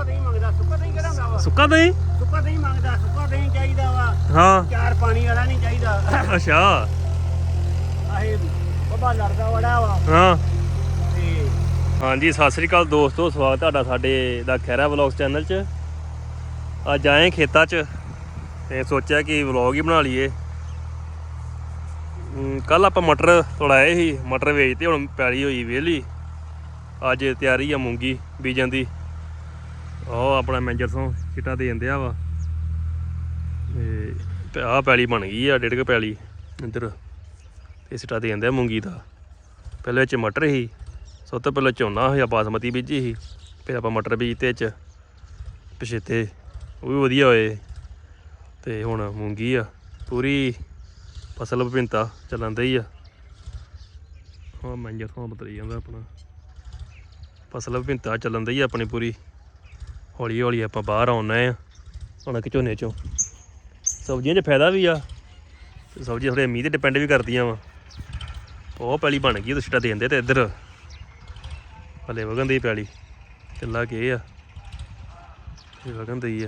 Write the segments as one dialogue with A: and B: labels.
A: ਦਹੀਂ ਮੰਗਦਾ, ਸੁੱਕਾ ਦਹੀਂ ਕਿਹੜਾ ਹੁੰਦਾ ਵਾ?
B: ਸੁੱਕਾ ਦਹੀਂ?
A: ਸੁੱਕਾ ਦਹੀਂ ਮੰਗਦਾ, ਸੁੱਕਾ ਦਹੀਂ ਚਾਹੀਦਾ ਵਾ।
B: ਹਾਂ
A: ਚਾਰ ਪਾਣੀ ਵਾਲਾ ਨਹੀਂ ਚਾਹੀਦਾ।
B: ਅੱਛਾ
A: ਆਹੇ ਬੱਬਾ ਲੜਦਾ ਬੜਾ ਵਾ
B: ਹਾਂ।
A: ਤੇ
B: ਹਾਂਜੀ ਸਤਿ ਸ੍ਰੀ ਅਕਾਲ ਦੋਸਤੋ, ਸਵਾਗਤ ਤੁਹਾਡਾ ਸਾਡੇ ਦਾ ਖਹਿਰਾ ਵਲੌਗਸ ਚੈਨਲ 'ਚ। ਅੱਜ ਆਏ ਖੇਤਾਂ 'ਚ ਤੇ ਸੋਚਿਆ ਕਿ ਵਲੌਗ ਹੀ ਬਣਾ ਲਈਏ। ਕੱਲ ਆਪਾਂ ਮਟਰ ਤੋੜਾਏ ਸੀ, ਮਟਰ ਵੇਚਤੇ, ਹੁਣ ਪੈਲੀ ਹੋਈ ਵਿਹਲੀ। ਅੱਜ ਤਿਆਰੀ ਆ ਮੂੰਗੀ ਬੀਜਣ ਦੀ। ਉਹ ਆਪਣਾ ਮੈਨੇਜਰ ਤੋਂ ਚਿੱਟਾ ਦੇ ਜਾਂਦੇ ਆ ਵਾ ਤੇ ਆਹ ਪੈਲੀ ਬਣ ਗਈ ਆ, 1.5 ਪੈਲੀ ਇੱਧਰ ਤੇ ਸਿੱਟਾ ਦੇ ਜਾਂਦੇ ਆ ਮੂੰਗੀ ਦਾ। ਪਹਿਲੇ ਵਿੱਚ ਮਟਰ ਸੀ, ਸਭ ਤੋਂ ਪਹਿਲਾਂ ਝੋਨਾ ਹੋਇਆ, ਬਾਸਮਤੀ ਬੀਜੀ ਸੀ, ਫਿਰ ਆਪਾਂ ਮਟਰ ਬੀਜਤੇ ਚ ਪਛੇਤੇ, ਉਹ ਵੀ ਵਧੀਆ ਹੋਏ। ਤੇ ਹੁਣ ਮੂੰਗੀ ਆ, ਪੂਰੀ ਫਸਲ ਵਿਭਿੰਨਤਾ ਚੱਲਣ ਦੀ ਆ। ਹਾਂ ਮੈਨੇਜਰ ਤੋਂ ਬਤਰੀ ਜਾਂਦਾ ਆਪਣਾ, ਫਸਲ ਵਿਭਿੰਨਤਾ ਚੱਲਣ ਦੀ ਆ ਆਪਣੀ ਪੂਰੀ। ਹੌਲੀ ਹੌਲੀ ਆਪਾਂ ਬਾਹਰ ਆਉਣਾ ਆ ਕਣਕ ਝੋਨੇ ਚੋਂ। ਸਬਜ਼ੀਆਂ 'ਚ ਫਾਇਦਾ ਵੀ ਆ, ਤੇ ਸਬਜ਼ੀਆਂ ਥੋੜ੍ਹੇ ਮੀਂਹ 'ਤੇ ਡਿਪੈਂਡ ਵੀ ਕਰਦੀਆਂ ਵਾ। ਉਹ ਪੈਲੀ ਬਣ ਗਈ, ਉਹ ਛਿੱਟਾ ਦੇ ਦਿੰਦੇ। ਤੇ ਇੱਧਰ ਹਲੇ ਵਗਣ ਦੀ ਪੈਲੀ ਚੱਲਾ ਕੇ ਆ, ਵਗਣ ਦੀ ਆ।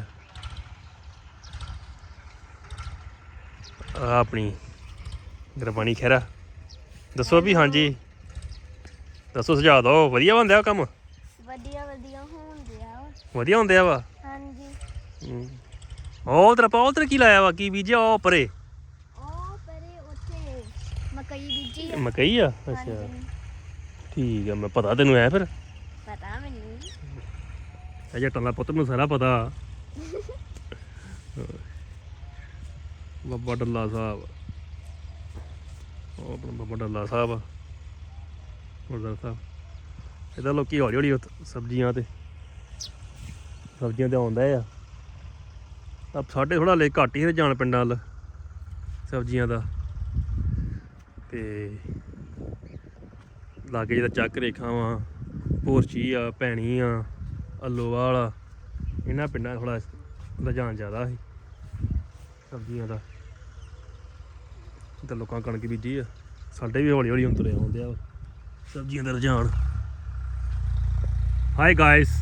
B: ਆਹ ਆਪਣੀ ਗੁਰਬਾਣੀ ਖਹਿਰਾ। ਦੱਸੋ ਵੀ, ਹਾਂਜੀ ਦੱਸੋ, ਸੁਝਾਅ ਦਿਓ। ਵਧੀਆ ਬਣਦਾ ਕੰਮ?
C: ਵਧੀਆ ਵਧੀਆ ਹੁੰਦਿਆ ਵਾ।
B: ਵਧੀਆ ਹੁੰਦੇ ਆ ਵਾ।
C: ਹਾਂਜੀ।
B: ਉਹ ਤੇਰਾ ਕੀ ਲਾਇਆ ਵਾ, ਕੀ ਬੀਜਿਆ ਉਹ ਪਰੇ?
C: ਉਹ ਪਰੇ ਉੱਥੇ ਮਕਈ ਬੀਜੀ ਆ।
B: ਮਕਈ ਆ? ਅੱਛਾ
C: ਹਾਂਜੀ,
B: ਠੀਕ ਆ। ਮੈਂ ਪਤਾ ਤੈਨੂੰ ਐ ਫਿਰ
C: ਪਤਾ ਮੈਨੂੰ।
B: ਇਹ ਜੱਟਾਂ ਦਾ ਪੁੱਤ, ਮੈਨੂੰ ਸਾਰਾ ਪਤਾ। ਬਾਬਾ ਡੱਲਾ ਸਾਹਿਬ, ਉਹ ਆਪਣਾ ਬਾਬਾ ਡੱਲਾ ਸਾਹਿਬ ਆ, ਗੁਰਦੁਆਰਾ ਸਾਹਿਬ। ਇਹਦਾ ਲੋਕੀ ਹੌਲੀ ਹੌਲੀ ਸਬਜ਼ੀਆਂ ਤੇ ਆਉਂਦਾ ਆ। ਸਾਡੇ ਥੋੜ੍ਹਾ ਹਲੇ ਘੱਟ ਹੀ ਜਾਣ ਪਿੰਡਾਂ ਵੱਲ ਸਬਜ਼ੀਆਂ ਦਾ। ਤੇ ਲਾਗੇ ਜਿਹਦਾ ਚੱਕ ਰੇਖਾ ਵਾ, ਭੋਰਚੀ ਆ, ਭੈਣੀ ਆ, ਅੱਲੋਵਾਲ ਆ, ਇਹਨਾਂ ਪਿੰਡਾਂ ਥੋੜ੍ਹਾ ਰੁਝਾਨ ਜ਼ਿਆਦਾ ਸੀ ਸਬਜ਼ੀਆਂ ਦਾ। ਤੇ ਲੋਕਾਂ ਕਣਕ ਬੀਜੀ ਆ। ਸਾਡੇ ਵੀ ਹੌਲੀ ਹੌਲੀ ਹੁਣ ਤੁਰੇ ਆਉਂਦੇ ਆ ਸਬਜ਼ੀਆਂ ਦਾ ਰੁਝਾਨ। ਹਾਈ ਗਾਇਸ,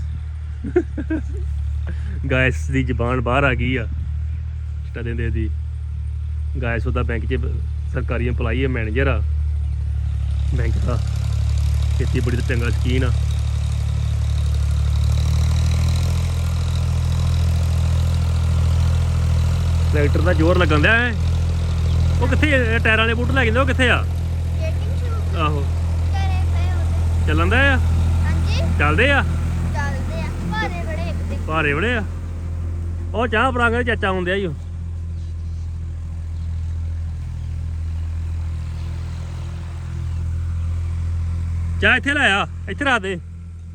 B: ਗਾਇਸ ਦੀ ਜ਼ਬਾਨ ਬਾਹਰ ਆ ਗਈ ਆ ਚਿੱਟਾ ਦਿੰਦੇ ਦੀ। ਗਾਇਸ ਉਹਦਾ ਬੈਂਕ 'ਚ ਸਰਕਾਰੀ ਇੰਪਲਾਈ ਆ, ਮੈਨੇਜਰ ਆ ਬੈਂਕ ਦਾ, ਖੇਤੀਬਾੜੀ ਦਾ ਚੰਗਾ ਸ਼ੌਕੀਨ ਆ। ਟਰੈਕਟਰ ਦਾ ਜ਼ੋਰ ਲੱਗਣ ਦਿਆ ਹੈ। ਉਹ ਕਿੱਥੇ ਟਾਇਰਾਂ ਵਾਲੇ ਬੂਟ ਲੈ ਜਾਂਦੇ, ਉਹ ਕਿੱਥੇ ਆ?
C: ਸਕੇਟਿੰਗ ਸ਼ੂ
B: ਆਹੋ
C: ਕਰੇ ਪਏ ਉਹਦੇ।
B: ਚੱਲਣ ਦਾ ਆ?
C: ਹਾਂਜੀ,
B: ਚੱਲਦੇ ਆ?
C: ਚੱਲਦੇ ਆ। ਭਾਰੇ ਬੜੇ ਇੱਕ ਤੇ।
B: ਭਾਰੇ ਬੜੇ ਆ। ਉਹ ਚਾਹ ਪਰਾਂਗੇ ਚਾਚਾ ਹੁੰਦੇ ਆ ਜੀ। ਉਹ ਚਾਹ ਇੱਥੇ ਲਾਇਆ, ਇੱਥੇ ਰੱਖ ਦੇ,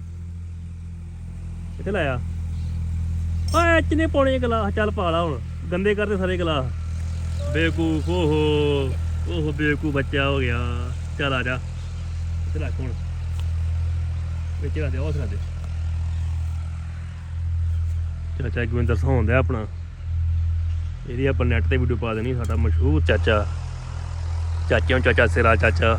B: ਇੱਥੇ ਲਾਇਆ। ਓਏ ਚ ਨੇ ਪਾਉਣੇ ਗਲਾਸ, ਚੱਲ ਪਾ ਲਾ ਹੁਣ, ਗੰਦੇ ਕਰਦੇ ਸਾਰੇ ਗਲਾਸ। ਬੇਵਕੂਫ, ਓਹੋ ਬੇਵਕੂਫ ਬੱਚਾ ਹੋ ਗਿਆ। ਚੱਲ ਆ ਜਾ, ਇੱਥੇ ਰੱਖ ਹੁਣ, ਵਿੱਚ ਰੱਖ ਦੇ, ਉਹ ਰੱਖ ਦੇ। ਚਾਚਾ ਗੋਬਿੰਦਰ ਸਿੰਘ ਹੁੰਦਾ ਆਪਣਾ, ਇਹਦੀ ਆਪਾਂ ਨੈੱਟ 'ਤੇ ਵੀਡੀਓ ਪਾ ਦੇਣੀ। ਸਾਡਾ ਮਸ਼ਹੂਰ ਚਾਚਾ, ਚਾਚੇ ਨੂੰ ਚਾਚਾ ਸਿਰਾ ਚਾਚਾ।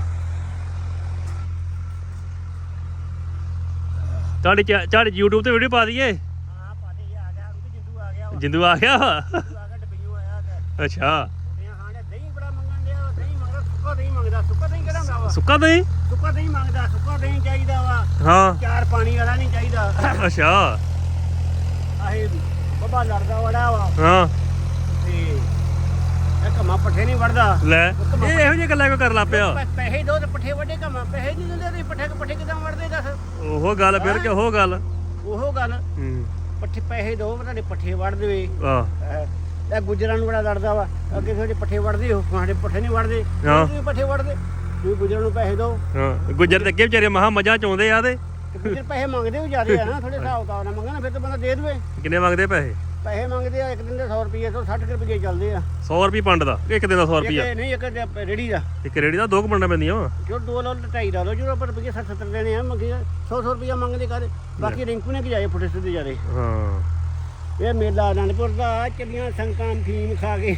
B: ਤੁਹਾਡੀ YouTube 'ਤੇ ਵੀਡੀਓ ਪਾ ਦਈਏ?
A: ਹਾਂ ਪਾਦੇ ਆ ਗਿਆ, ਜਿੰਦੂ ਆ ਗਿਆ ਵਾ।
B: ਜਿੰਦੂ ਆ ਗਿਆ ਵਾ?
A: ਜਿੰਦੂ ਆ ਗਿਆ, ਡੱਬੀਓ ਆਇਆ ਗਿਆ।
B: ਅੱਛਾ
A: ਦਹੀਂ ਬੜਾ ਮੰਗਣ ਡਿਆ, ਦਹੀਂ ਮੰਗਦਾ, ਸੁੱਕਾ ਦਹੀਂ ਮੰਗਦਾ। ਸੁੱਕਾ ਦਹੀਂ ਕਿਹੜਾ ਹੁੰਦਾ ਵਾ?
B: ਸੁੱਕਾ ਦਹੀਂ?
A: ਸੁੱਕਾ ਦਹੀਂ ਮੰਗਦਾ, ਸੁੱਕਾ ਦਹੀਂ ਚਾਹੀਦਾ ਵਾ।
B: ਹਾਂ
A: ਚਾਰ ਪਾਣੀ ਵਾਲਾ ਨਹੀਂ ਚਾਹੀਦਾ।
B: ਅੱਛਾ
A: ਆਹੇ ਬੱਬਾ ਲੜਦਾ ਬੜਾ ਵਾ
B: ਹਾਂ।
A: ਤੇ ਇਹ ਘਮਾ ਪੱਠੇ ਨਹੀਂ ਵੜਦਾ।
B: ਲੈ ਇਹ ਇਹੋ ਜਿਹੀ ਗੱਲਾਂ ਕਿਉਂ ਕਰਨ ਲੱਗ ਪਿਆ?
A: ਪੈਸੇ ਦੋ ਤੇ ਪੱਠੇ ਵੱਡੇ, ਘਮਾ ਪੈਸੇ ਨਹੀਂ ਦਿੰਦੇ ਤੇ ਪੱਠੇ ਕਿਦਾਂ ਵੜਦੇ ਦੱਸ?
B: ਉਹ ਗੱਲ ਫਿਰ ਕਿ ਉਹ ਗੱਲ।
A: ਉਹ ਗੱਲ, ਪੱਠੇ ਪੈਸੇ ਦੋ ਤੁਹਾਡੇ ਪੱਠੇ ਵੜ ਦੇਵੇ।
B: ਆਹ
A: ਇਹ ਗੁੱਜਰਾਂ ਨੂੰ ਬੜਾ ਲੜਦਾ ਵਾ, ਅੱਗੇ ਤੁਹਾਡੇ ਪੱਠੇ ਵੜਦੇ ਹੋ, ਸਾਡੇ ਪੱਠੇ ਨਹੀਂ ਵੜਦੇ। ਤੁਸੀਂ ਪੱਠੇ ਵੜਦੇ, ਤੁਸੀਂ ਗੁੱਜਰਾਂ ਨੂੰ ਪੈਸੇ ਦਿਓ।
B: ਹਾਂ ਗੁੱਜਰ ਤੇ ਅੱਗੇ ਵਿਚਾਰੇ ਮਹਾ ਮੱਝਾਂ ਚੋਂਦੇ ਆ। ਤੇ
A: ਗੁੱਜਰ ਪੈਸੇ ਮੰਗਦੇ ਵੀ ਜ਼ਿਆਦੇ ਆ ਨਾ, ਥੋੜੇ ਹਿਸਾਬ ਕਿਤਾਬ ਨਾਲ ਮੰਗਣਾ, ਫਿਰ ਤਾਂ ਬੰਦਾ ਦੇ ਦੇਵੇ।
B: ਕਿੰਨੇ ਮੰਗਦੇ ਪੈਸੇ?
A: ਪੈਸੇ ਮੰਗਦੇ ਆ ਇੱਕ ਦਿਨ ਦੇ 100 ਰੁਪਏ ਤੋਂ 60 ਰੁਪਏ ਚੱਲਦੇ ਆ।
B: 100 ਰੁਪਏ ਪੰਡ ਦਾ ਇੱਕ ਦਿਨ ਦਾ? 100 ਰੁਪਇਆ
A: ਨਹੀਂ, ਇੱਕ ਰੇੜੀ ਦਾ।
B: ਇੱਕ ਰੇੜੀ ਦਾ 2 ਪੰਡਾਂ ਪੈਂਦੀਆਂ ਵਾ।
A: ਜੋ 2 ਲਾ 2.5 ਲਾ ਲਓ, ਜੋ ਆਪਾਂ ਰੁਪਏ 60-70 ਦੇਣੇ ਆ, ਮੰਗੇ 100 ਰੁਪਇਆ ਮੰਗਦੇ ਕਰ। ਬਾਕੀ ਰਿੰਕੂ ਨੇ ਜਾਏ ਫੁੱਟੇ ਸਿੱਧੇ ਜਾਰੇ।
B: ਹਾਂ
A: ਇਹ ਮੇਲਾ ਅਨੰਦਪੁਰ ਦਾ, ਚੱਲੀਆਂ ਸੰਕਾਂ ਫੀਮ ਖਾ ਕੇ।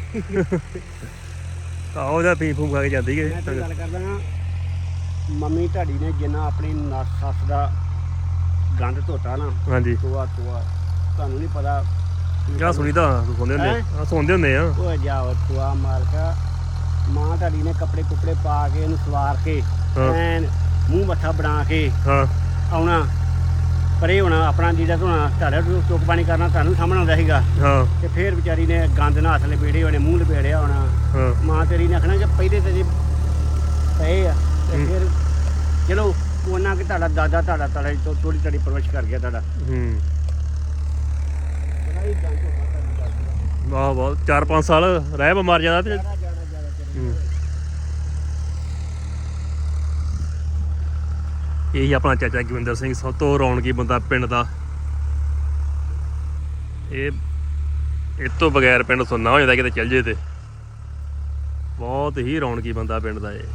B: ਆਹੋ ਉਹਦਾ ਫੀਮ ਫੂਮ ਖਾ ਕੇ ਜਾਂਦੀ ਹੈ।
A: ਮੈਂ ਤਾਂ ਗੱਲ ਕਰਦਾ ਨਾ, ਮੰਮੀ ਤੁਹਾਡੀ ਨੇ ਜਿੰਨਾ ਆਪਣੀ ਸੱਸ ਦਾ ਗੰਦ ਧੋਤਾ ਨਾ,
B: ਹਾਂਜੀ
A: ਤੋਆ ਤੁਹਾਨੂੰ ਨਹੀਂ ਪਤਾ
B: ਆ ਸੁਣੀਦਾ ਸੁਣਦੇ ਹੁੰਦੇ ਆ ਸੁਣਦੇ ਹੁੰਦੇ ਆ
A: ਉਹ ਜਾਓ ਤੁਆ ਮਾਲਕਾ ਮਾਂ ਤੁਹਾਡੀ ਨੇ ਕੱਪੜੇ ਕੁਪੜੇ ਪਾ ਕੇ ਇਹਨੂੰ ਸਵਾਰ ਕੇ
B: ਹਾਂ।
A: ਐਨ ਮੂੰਹ ਮੱਥਾ ਬਣਾ ਕੇ
B: ਹਾਂ
A: ਆਉਣਾ ਪਰੇ ਹੋਣਾ ਆਪਣਾ ਜੀਦਾ ਧੋਣਾ ਤੁਹਾਡਾ ਚੁੱਕ ਪਾਣੀ ਕਰਨਾ ਤੁਹਾਨੂੰ ਸਾਹਮਣੇ ਆਉਂਦਾ ਸੀਗਾ
B: ਹਾਂ
A: ਤੇ ਫੇਰ ਵਿਚਾਰੀ ਨੇ ਗੰਦ ਨਾਲ ਹੱਥ ਲਪੇੜੇ ਹੋਣੇ ਮੂੰਹ ਲਪੇੜਿਆ ਹੋਣਾ
B: ਹਾਂ
A: ਮਾਂ ਤੇਰੀ ਨੇ ਆਖਣਾ ਕਿ ਪਹਿਲੇ ਤੇ ਜੇ ਪਏ ਆ ਤੇ ਫਿਰ ਚਲੋ ਉਹਨਾਂ ਕਿ ਤੁਹਾਡਾ ਦਾਦਾ ਤੁਹਾਡੇ ਤੋਂ ਥੋੜੀ ਤੁਹਾਡੀ ਪਰਵਰਿਸ਼ ਕਰ ਗਿਆ ਤੁਹਾਡਾ
B: ਹੂੰ
A: ਬੜਾ ਹੀ ਗੰਦ ਹੋ
B: ਵਾਹ ਵਾਹ 4-5 ਸਾਲ ਰਹਿ ਬਿਮਾਰ ਜਾਂਦਾ ਤੇ ਹੂੰ। ਇਹੀ ਆਪਣਾ ਚਾਚਾ ਗਵਿੰਦਰ ਸਿੰਘ ਸਭ ਤੋਂ ਰੌਣਕੀ ਬੰਦਾ ਪਿੰਡ ਦਾ ਇਹ ਤੋਂ ਬਗੈਰ ਪਿੰਡ ਸੁੰਨਾ ਹੋ ਜਾਂਦਾ ਕਿਤੇ ਚੱਲ ਜੇ ਤੇ ਬਹੁਤ ਹੀ ਰੌਣਕੀ ਬੰਦਾ ਪਿੰਡ ਦਾ ਇਹ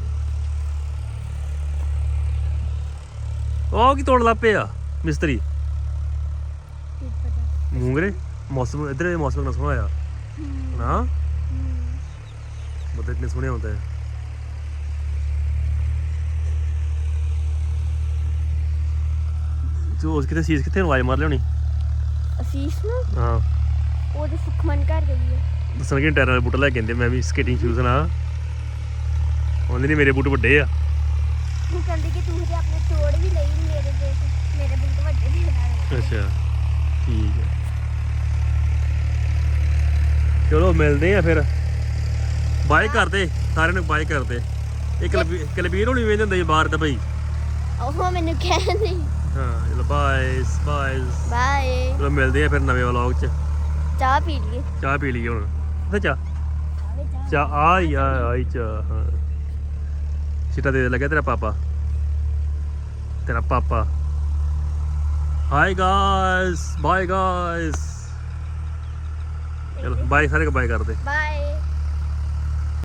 B: ਉਹ ਕੀ ਤੋੜ ਲੱਪੇ ਆ ਮਿਸਤਰੀ
C: ਕੀ ਪਤਾ
B: ਮੂੰਗਰੇ ਮੌਸਮ ਇਧਰ ਦੇ ਮੌਸਮ ਨਾਲ ਸੋਹਣਾ ਆ ਨਾ ਮਤਲਬ ਕਿੰਨੇ ਸੋਹਣੇ ਹੁੰਦੇ ਆ ਤੂੰ ਉਸ ਕਿਤੇ ਸੀਸ ਕਿੱਥੇ ਆਵਾਜ਼ ਮਾਰ ਲਿਆਉਣੀ
C: ਅਸੀਸ ਨੂੰ
B: ਹਾਂ
C: ਉਹਦੇ ਸੁਖਮਨ ਘਰ ਗਈ ਹੈ
B: ਦੱਸਣ ਕਿ ਟਾਇਰਾਂ ਦੇ ਬੂਟ ਲੈ ਕੇ ਆਂਦੇ ਮੈਂ ਵੀ ਸਕੇਟਿੰਗ ਸ਼ੂਜ਼ ਨਾ ਉਹਦੇ ਨਹੀਂ ਮੇਰੇ ਬੂਟ ਵੱਡੇ ਆ
C: ਉਹ ਕਹਿੰਦੀ ਕਿ ਤੂੰ ਤੇ ਆਪਣੇ ਤੋੜ ਵੀ ਲਈ ਮੇਰੇ ਬੂਟ ਵੱਡੇ ਨਹੀਂ ਬਣਾ
B: ਅੱਛਾ ਠੀਕ ਹੈ ਚਲੋ ਮਿਲਦੇ ਆ ਫਿਰ ਬਾਏ ਕਰਦੇ ਸਾਰਿਆਂ ਨੂੰ ਬਾਏ ਕਰਦੇ ਇਹ ਕਲਬੀਰ ਹੋਣੀ ਵੇਂਦੇ ਹੁੰਦੇ ਬਾਹਰ ਤਾਂ ਭਾਈ
C: ਉਹ ਮੈਨੂੰ ਕਹਿੰਦੀ
B: ਹਾਂ ਚਲੋ ਬਾਏ ਬਾਏ
C: ਬਾਏ
B: ਚਲੋ ਮਿਲਦੇ ਆ ਫਿਰ ਨਵੇਂ ਵਲੌਗ 'ਚ
C: ਚਾਹ ਪੀ ਲਈਏ
B: ਚਾਹ ਪੀ ਲਈਏ ਹੁਣ ਤੇ ਚਾਹ ਆਈ ਚਾਹ ਹਾਂ ਸਿੱਟਾ ਦੇ ਲੱਗਿਆ ਤੇਰਾ ਪਾਪਾ ਹਾਈ ਗਾਇਸ ਬਾਏ ਗਾਇਸ ਚਲੋ ਬਾਏ ਸਾਰੇ ਬਾਏ ਕਰਦੇ
C: ਬਾਏ